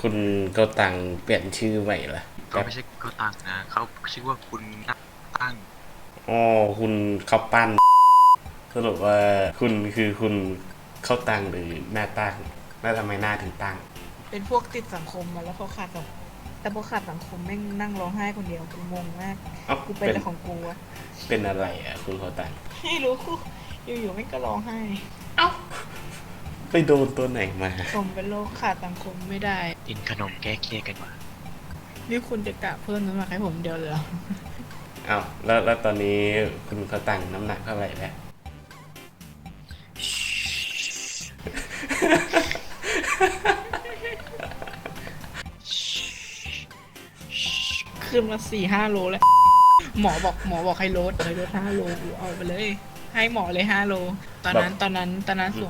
คุณก็ตังเปลี่ยนชื่อใหม่ละเขาไม่ใช่เขาตั้งนะเขาชื่อว่าคุณนักตั้งอ๋อคุณข้าวปั้นสรุปว่าคุณคือคุณเข้าตังหรือหน้าตั้งแล้วทำไมหน้าถึงตั้งเป็นพวกติดสังคมมาแล้วพอขาดสังแต่พอขาดสังคมแม่งนั่งร้องไห้คนเดียวกูงงมากเอ้ากูเป็นอะไรของกูอะเป็นอะไรอ่ะคุณเข้าตังไม่รู้อยู่ๆแม่งก็ร้องไห้ เอ้าไปโดนตัวไหนมาผมเป็นโรคขาดสังคมไม่ได้กินขนมแก้เครียดกันวะนี่คุณจะกะเพิ่มน้ำหนักให้ผมเดียวเลยเหรอเอ้าแล้วตอนนี้คุณเข้าตังน้ำหนักเท่าไหร่แล้วขึ้นมา4-5 โลแล้วหมอบอกให้ลด5 โลกูเอาไปเลยให้หมอเลย5 โลตอนนั้นสูง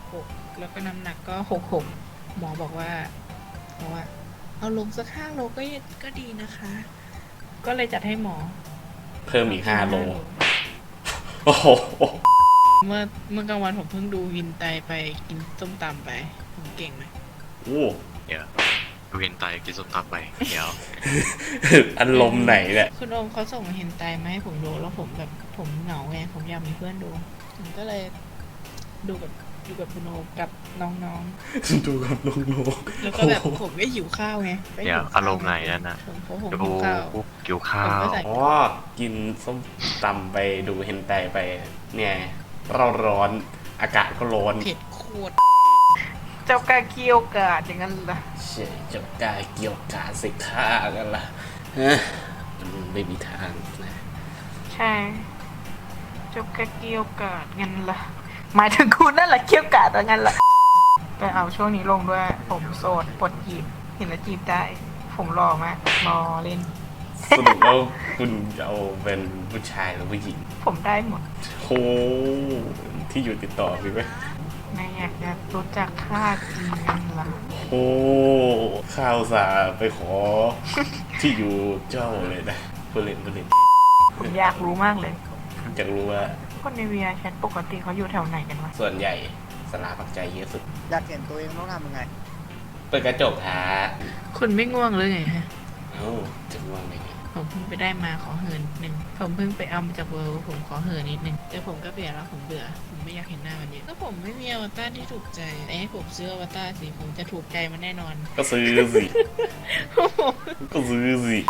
166แล้วก็น้ำหนักก็66หมอบอกว่าเอาลงสัก5 โลก็ดีนะคะ ก็เลยจัดให้หมอเพิ่มอีก5 โลโอ้โหเมื่อกลางวันผมเพิ่งดูวินไตไปกินส้มตำไปผมเก่งไหมโอ้เดี๋ยวดูเห็นไตกินส้มตำไปเดี๋ยวอารมณ์ไหนเนี่ยคุณโอมเขาส่งเห็นไตมาให้ผมดูแล้วผมแบบผมเหงาไงผมอยากมีเพื่อนดูผมก็เลยดูกับคุณโอมกับน้องๆดูกับน้องๆแล้วก็แบบผมก็หิวข้าวไงเดี๋ยวอารมณ์ไหนนั่นนะดูหิวข้าวอ๋อกินส้มตำไปดูเห็นไตไปเนี่ยเราร้อนอากาศก็ร้อนเผ็ดโคตรเจ้ากาเกียวกาดอย่างนั้นล่ะใช่เจ้ากาเกี่ยวกาสิฆ่ากันล่ะมันไม่มีทางนะใช่เจ้ากาเกียวกาดงั้นล่ะหมายถึงคุณนั่นแหละเกียวกาดงั้นล่ะแต่เอาช่วงนี้ลงด้วยผมโสดปลดจีบเห็นแล้วจีบได้ผมรอมากรอเล่นสรุปว่าคุณจะเอาเป็นผู้ชายหรือผู้หญิงผมได้หมดโหที่อยู่ติดต่อพี่ไหมไม่อยากจะรู้จักค่าจริงนั่นล่ะโอ้ข้าวสาไปขอที่อยู่เจ้าเลยนะผู้เล่นผมอยากรู้มากเลยอยากรู้ว่าคนในวีอาร์แชทปกติเขาอยู่แถวไหนกันวะส่วนใหญ่สลาปักใจเยอะสุดอยากเห็นตัวเองต้องทำยังไงเปิดกระจกหาคุณไม่ง่วงเลยไงฮะเอ้าจะง่วงได้ไงผมเพิ่งไปได้มาขอเหินหนึ่งผมเพิ่งไปเอามาจากเวิร์ลผมขอเหินนิดนึงแต่ผมก็เปลี่ยนแล้วผมเบื่อผมไม่อยากเห็นหน้ามันเยอะแล้วผมไม่มีอวตารที่ถูกใจให้ผมซื้ออวตารสิผมจะถูกใจมันแน่นอนก็ซื้อสิก็ซื้อสิ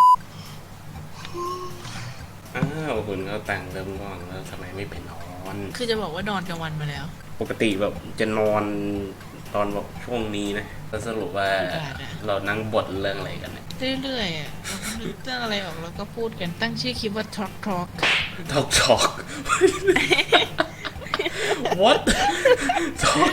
อ้าวคุณเขาตังเริ่มง่วงแล้วทำไมไม่ไปนอนคือจะบอกว่านอนกลางวันมาแล้วปกติแบบจะนอนตอนแบบช่วงนี้นะแล้วสรุปว่าเรานั่งบทเรื่องอะไรกันเนี่ยเรื่อยๆเราก็นึกเรื่องอะไรออกแล้วก็พูดกันตั้งชื่อคลิปว่า Talk What Talk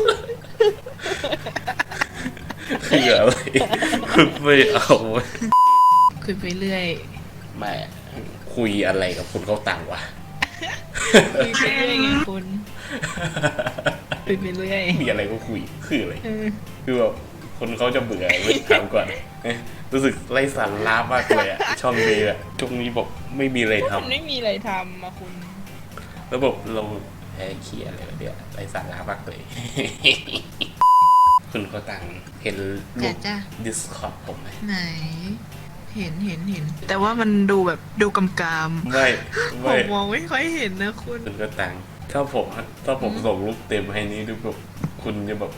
คืออะไรคุณไม่เอาคุยไปเรื่อยไม่คุยอะไรกับคุณเขาต่างวะคุยไปเรื่อยไงคุณคุยไปเรื่อยมีอะไรก็คุยคืออะไรคือแบบคนเขาจะเบื่อไม่ถามก่อนรู้สึกไร้สาระมากเลยอะช่องนี้อะช่วงนี้บอกไม่มีอะไรทำไม่มีอะไรทำมาคุณแล้วบอกเราแพ้เคียอะไรแบบเนี้ยไร้สาระมากเลยคุณเขาต่างเห็นรูป Discord ผมไหมไหนเห็นแต่ว่ามันดูแบบดูกำกามไม่ผมมองไม่ค่อยเห็นนะคุณก็ต่างถ้าผมส่งรูปเต็มให้นี้ดูแบบคุณจะแบบ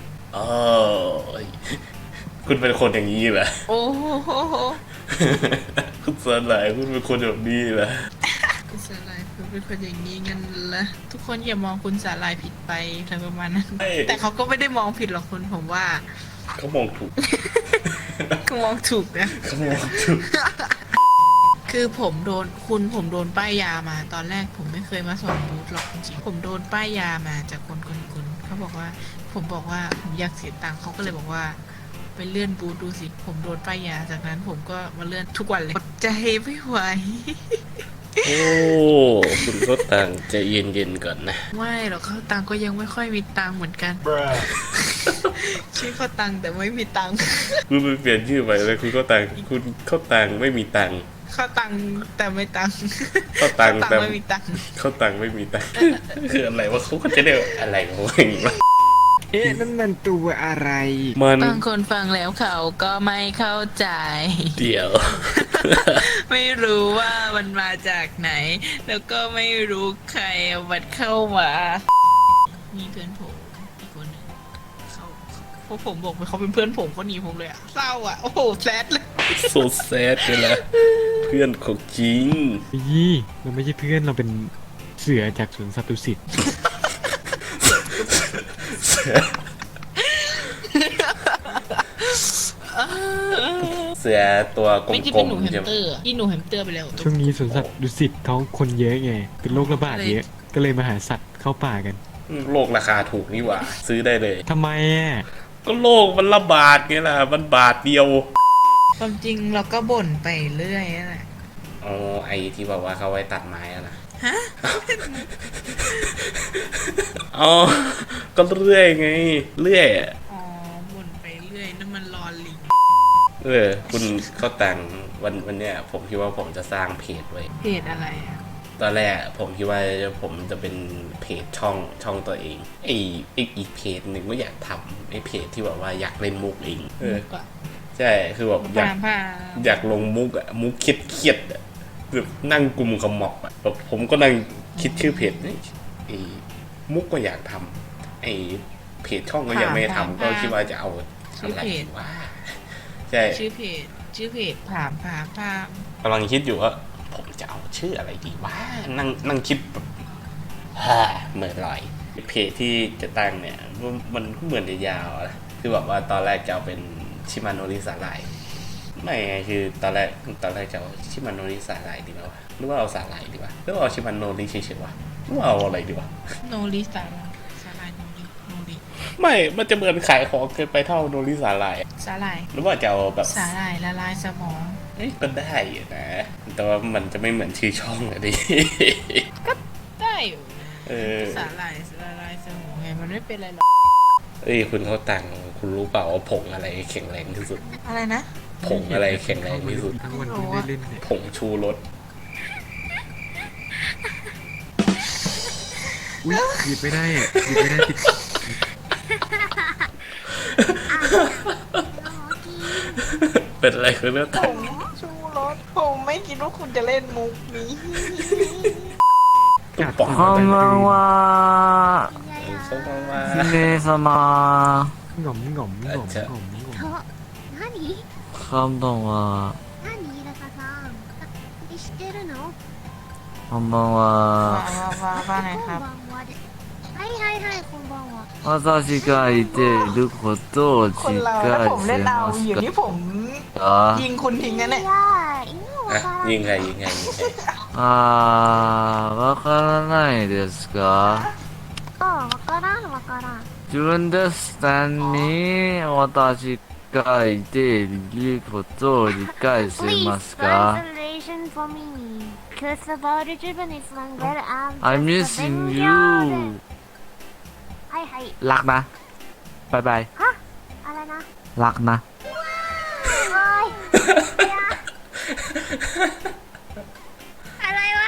คุณเป็นคนอย่างนี้เหรอโอ้โหคุณสลายคุณเป็นคนแบบนี้เหรอคุณสลายคุณเป็นคนอย่างนี้งั้นเหรอทุกคนอย่ามองคุณสลายผิดไปอะไรประมาณนั้นแต่เขาก็ไม่ได้มองผิดหรอกคุณผมว่าเขามองถูกเขามองถูกนะเขามองถูกคือผมโดนป้ายยามาตอนแรกผมไม่เคยมาสอนบูธหรอกจริงๆผมโดนป้ายยามาจากคนเขาบอกว่าผมบอกว่าผมอยากเสียตังค์เขาก็เลยบอกว่าไปเลื่อนบูธดูสิผมโดนป้ายยาจากนั้นผมก็มาเลื่อนทุกวันเลยอดใจไม่ไหวโอ้คุณเขาตังใจเย็นๆก่อนนะไม่หรอกเขาตังก็ยังไม่ค่อยมีตังเหมือนกันชื่อเขาตังแต่ไม่มีตังคุณไปเปลี่ยนชื่อใหม่เลยคุณเขาตังไม่มีตังเขาตังแต่ไม่ตังเขาตังแต่ไม่มีตังเขาตังไม่มีตังคืออะไรวะเขาก็จะได้อะไรของเขาอย่างนี้วะเอ๊ะนั่นมันตัวอะไรมันบางคนฟังแล้วเขาก็ไม่เข้าใจเดี๋ยวไม่รู้ว่ามันมาจากไหน แล้วก็ไม่รู้ใครเอามันเข้ามา มีเพื่อนผมอีกคนหนึ่งเขาพวกผมบอกไปเขาเป็นเพื่อนผมเขาหนีผมเลยอะเศร้าอะโอ้โหแซดเลยโซแซดเลยนะเพื่อนของจริงยี่เราไม่ใช่เพื่อนเราเป็นเสือจากสวนสัตว์ดุสิตเสือตัวกไม่ใช่ลเป็นมหนูๆแฮมใช่ไหมสเตอร์อะที่หนูแฮมสเตอร์ไปแล้วช่วงนี้สวนสัตว์ดุสิตเขาคนเยอะไง เป็นโรคระบาดเยอะ ก็เลยมาหาสัตว์เข้าป่ากันโลกราคาถูกนี่หว่า ซื้อได้เลยทำไมอ่ะก็โลกมันระบาดไงล่ะ มันบาทเดียวความจริงเราก็บ่นไปเรื่อยนั่นแหละอ๋อไอที่บอกว่าเขาไว้ตัดไม้อะนะฮะอ๋อ ก็เรื่อยไง เรื่อยอะอ๋อบ่นไปเรื่อยนั่นมันรอลิงคุณเขาแต่งวันเนี้ยผมคิดว่าผมจะสร้างเพจไว้เพจอะไรอะตอนแรกผมคิดว่าผมจะเป็นเพจช่องตัวเองอีกเพจหนึ่งก็อยากทำไอเพจที่แบบว่าอยากเล่นมุกเองมุกอะใช่คือแบบอยากลงมุกอะมุกเครียดๆอะแบบนั่งกุมขมับอะแบบผมก็นั่งคิดชื่อเพจนี่ไอมุกก็อยากทำไอเพจช่องก็ยังไม่ทำก็คิดว่าจะเอาอะไรว่าใช่ชื่อเพจผามกำลังคิดอยู่ว่าผมจะเอาชื่ออะไรดีว่านั่งคิดแบบเหมือนลอยเพจที่จะตั้งเนี่ยมันก็เหมือนจะยาวนะคือแบบว่าตอนแรกจะเอาเป็นชิมาโนริสาหร่ายไม่ไงคือตอนแรกจะเอาชิมาโนริสาหร่ายดีไหมวะหรือว่าเอาสาหร่ายดีวะหรือว่าเอาชิมาโนริเฉยๆวะหรือว่าเอาอะไรดีวะโนริสาลายโนริไม่มันจะเหมือนขายของเกินไปเท่าโนริสาหร่ายสาลายหรือว่าจะเอาแบบสาลายละลายสมองก็ได้อยู่นะแต่ว่ามันจะไม่เหมือนชื่อช่องอะดิได้อยู่นะเออสาลายละลายสมองไงมันไม่เป็นไรหรอกเอ้ยคุณเขาตังคุณรู้เปล่าว่าผงอะไรแข็งแรงที่สุดอะไรนะผงอะไรแข็งแรงที่สุดทั้งวันเพิ่งได้เล่นเนี่ยผงชูรสอุ้ยหยิบไม่ได้อ่ะหยิบไม่ได้ติดเป็นอะไรคุณเนี่ยผมชูรสผมไม่คิดว่าคุณจะเล่นมุกนี้ตุ๊กป๋องこんばんはเขาบอกว่า姫様หง่อมหง่อมหง่อมหง่อมหง่อม何こんばんは何ラカさん知ってるのこんばんはว่าไงครับこんばんはですはいはいはいこんばんは私がいていることをคนเราถ้าผมเล่นเอาอยู่นี่ผมยิงคุณทิ้งนะเนี่ยいやー今わอ่ะからんยิงใครあーわからないですかあわからんわからん自分で下に私がいていることを理解し Please ますか translation for me Cause about the Japanese language I'm just I'm a missing baby you girl はいはいรักนะบายบายはあれなรักนะおいいやอะไรวะ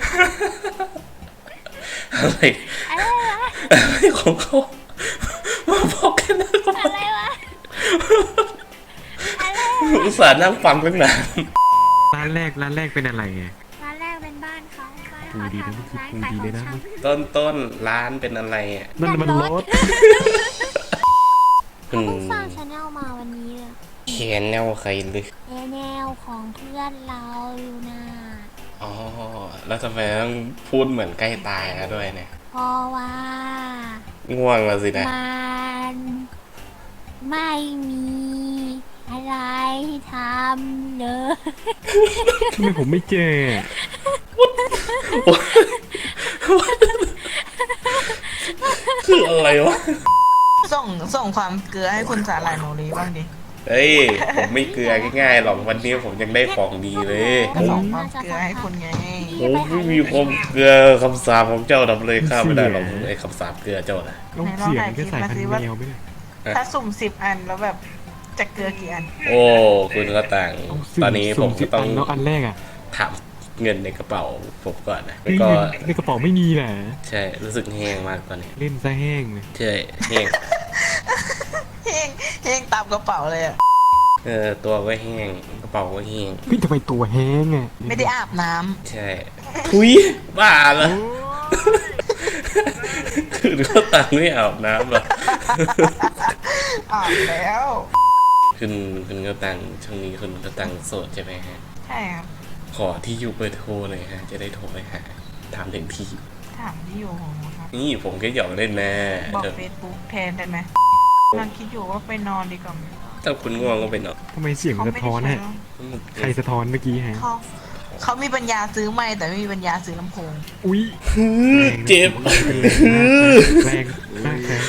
อะไรอะไรวะอะไรของเขามาบอกแค่นั้นก็อะไรวะอะไรวะอุตส่าห์นั่งฟังตั้งนานร้านแรกเป็นอะไรไงร้านแรกเป็นบ้านเขาบ้านดูเขาดีนะทำร้านดูขายดีขเลอย งนะชำต้นร้านเป็นอะไรอ่ะนั่นมันรถอืเขาเพิ่งมสร้างชาแนลมาวันนี้เลยเขียนแนวใครเลยแนวของเพื่อนเราอยู่นะอ๋อแล้วทำไมต้องพูดเหมือนใกล้ตายแล้วด้วยเนี่ยเพราะว่าง่วงแล้วสินะมันไม่มีอะไรทำเลยทำไมผมไม่เจอคืออะไรวะส่งความเกลือให้คุณสาลายโนริบ้างดิเฮ้ย ผมไม่เกลือง่ายๆหรอกวันนี้ผมยังได้ของดีเลยก็ส่งความเกลือให้คุณไงผมไม่มีความเกลือคำสาปของเจ้าทำเลยข้าไม่ได้หรอกไอ้คำสาปเกลือเจ้านะต้องเสียงก็สายพันธุ์แมวไม่ได้ถ้าสุ่ม10 อันแล้วแบบจะเกลือกี่อันโอ้คุณก็ต่าง ตอนนี้ผมก็ต้องแล้วอันแรกอ่ะถามเงินในกระเป๋าผมก่อนนะเฮ้แล้วยก็ในกระเป๋าไม่มีนะใช่รู้สึกแห้งมากตอนนี้เล่นซะแห้งเลยใช่แห้งแห้งตามกระเป๋าเลยอะตัวก็แห้งกระเป๋าก็แห้งพี่ทำไมตัวแห้งอ่ะไม่ได้อาบน้ำใช่ทุยบ้าเหรอคือเขาตังไม่อาบน้ำเหรออาบแล้วคุณก็ตังช่วงนี้คุณก็ตังโสดใช่ไหมฮะใช่ครับขอที่อยู่เบอร์โทรเลยฮะ จะได้โทรไปหาถามถึงที่ถามที่อยู่ของผมครับนี่ผมก็หยอกเล่นนะบอกเฟซบุ๊กแทนได้ไหมกำลังคิดอยู่ว่าไปนอนดีกว่าไหมถ้าคุณง่วงก็ไปนอนทำไมเสียงมันสะท้อนฮะใครสะท้อนเมื่อกี้ฮะเขามีปัญญาซื้อไม่แต่ไม่มีปัญญาซื้อลำโพงอุ้ยเจ็บแรงมากแรง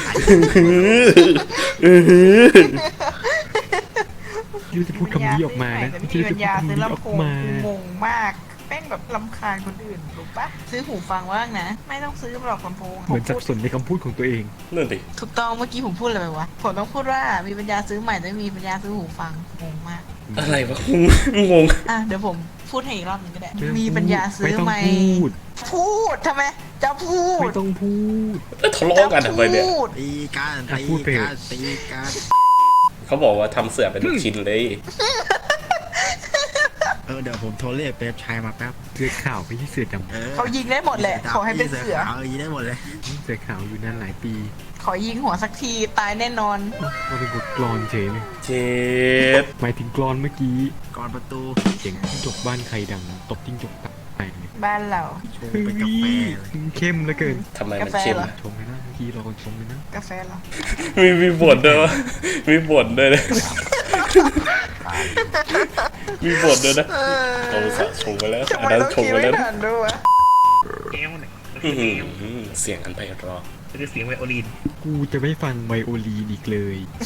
ยูจะพูดคำนี้ออกมานะแต่ยูไม่มีจะปัพูญดญาคำซื้อนี้ออลำกโพงมางงมากแป้งแบบลำคาญคนอื่นรู้ปะซื้อหูฟังว่างนะ ไม่ต้องซื้อหรอกลำโพงเหมือนสับสนในคำพูดของตัวเองนั่นดิถูกต้องเมื่อกี้ผมพูดอะไรไปวะผมต้องพูดว่ามีปัญญาซื้อใหม่แต่ไม่มีปัญญาซื้อหูฟังงงมากอะไรวะงงอ่ะเดี๋ยวผมพูดให้อีกรอบหนึงก็ได้ไม่ต้องมีปัญญาซื้อไม่ต้องไหมพูดพูดทำไมจะพูดไม่ต้องพูดแล้วทะเลาะกันทำไมเนี่ยพูดตีกันอ่ะตีพูดไปเถกัอะนตีกันเขาบอกว่าทำเสือเป็นลูกชิ้นเลยเดี๋ยวผมโทรเรียกเป๊ปชายมาแป๊บเสือขาวไม่ใช่เสือดเขายิงได้หมดแหละขอให้เป็นเสือยิงได้หมดเลยำเสือขาวอยู่นานหลายปีขอยิงหัวสักทีตายแน่นอนมาเป็นบทกลอนเฉยเลยเจ็บหมายถึงกลอนเมื่อกี้ก่อนประตูเสียงจิ้งจกบ้านใครดังตบจิ้งจกตายเลยบ้านเราชงเป็นกาแฟเลยเข้มเหลือเกินทำไมมันเข้มกาแฟเหรอชมเลยนะเมื่อกี้เราชมเลยนะกาแฟเหรอมีบทด้วยวะมีบทด้วยนะมีบทด้วยนะเราอุตสาห์ชงไปแล้วทำไมอันนั้นต้องชงคิดไปไม่แล้วทันด้วยวะอื้อหือเสียงอันไพเราะกูจะไม่ฟังไวโอลีนอีกเลย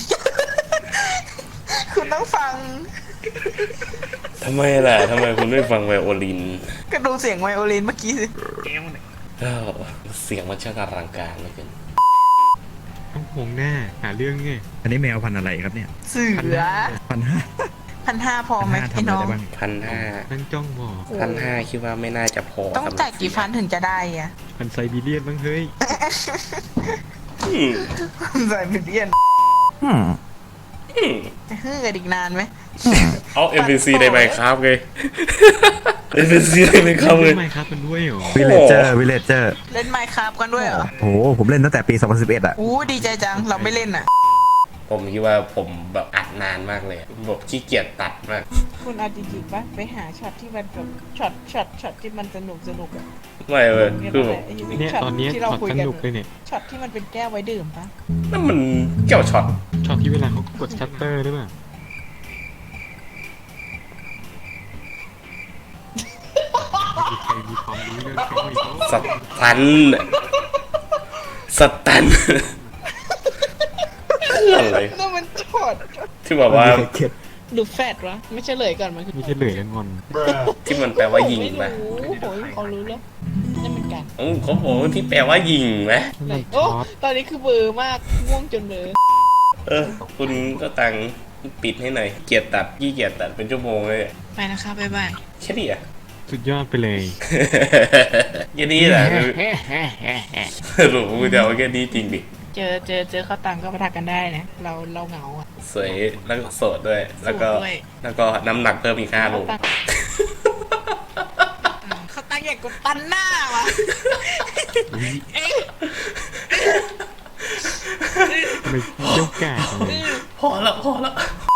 คุณต้องฟังทำไมล่ะทำไมคุณไม่ฟังไวโอลินก็ดูเสียงไวโอลินเมื่อกี้สิอ้าวเสียงมันช่างอลังการเหลือเกินต้องมองหน้าหาเรื่องไงอันนี้แมวพันธุ์อะไรครับเนี่ยเสือ 1,500 1,500พอไหมทำไอ้อะไรน้องได้บ้าง 1,500 นั่งจ้องมองคิดว่าไม่น่าจะพอต้องสำหรับจ่ายกี่ฟันถึงจะได้อะพันไซบีเรียนบ้างเฮ้ยอืมใส่เป็นเดียนอืมจะฮือกันอีกนานไหมเอา NPC ได้ไหมครับไง NPC ได้ไหมครับเลยทำไมครับมันด้วยเหรอวิลเลเจอร์วิลเลเจอร์เล่นไมค์ครับกันด้วยเหรอโอ้โหผมเล่นตั้งแต่ปี 2011 อ่ะอู้ดีใจจังเราไม่เล่นอ่ะผมคิดว่าผมแบบอัดนานมากเลยแบบขี้เกียจตัดมากคุณเอาจริงๆปะไปหาช็อตที่มันแบบช็อตที่มันสนุกอะไม่เลยคือแบบเนี่ยตอนนี้ที่ช็เราอตคุยสกันนุกเลยเนี่ยช็อตที่มันเป็นแก้วไว้ดื่มปะนั่นมันเกี่ยวช็อตช็อตที่เวลาเขากดชัตเตอร์หรือเปล่ามีใครมีความรู้เรื่องเขาอีกสตันสตันอะไรนั่นมันช็อตที่แบบว่าหรือแฟดวะไม่เฉลยก่อนมันคือไม่ใช่เหลยกันงอนที่มันแปลว่ายิงไหมไม่รู้โหยเขารู้แล้วนั่นเหมือนกันเขาบอกว่าที่แปลว่ายิงไหมมันโอ้ช็อตตอนนี้คือเบลอร์มากง่วงจนเบลอคุณก็ตังปิดให้หน่อยเกียรตัดยี่เกียรตัดเป็นชั่วโมงเลยไปนะคะบ๊ายบายแค่นี้อ่ะสุดยอดไปเลยแค่นี้แหละสรุปกูจะเอาแค่นี้จริงดิเจอข้าวตังก็มาทักกันได้นะ เราเหงาอ่ะสวยแล้วก็โสดด้วย แล้วก็โสดด้วยแล้วก็น้ำหนักเพิ่มอีก5 โลข้าวตังอยากกดตันหน้าวะเอ๊ะทำไมเจ้ากาดเลยพอแล้ว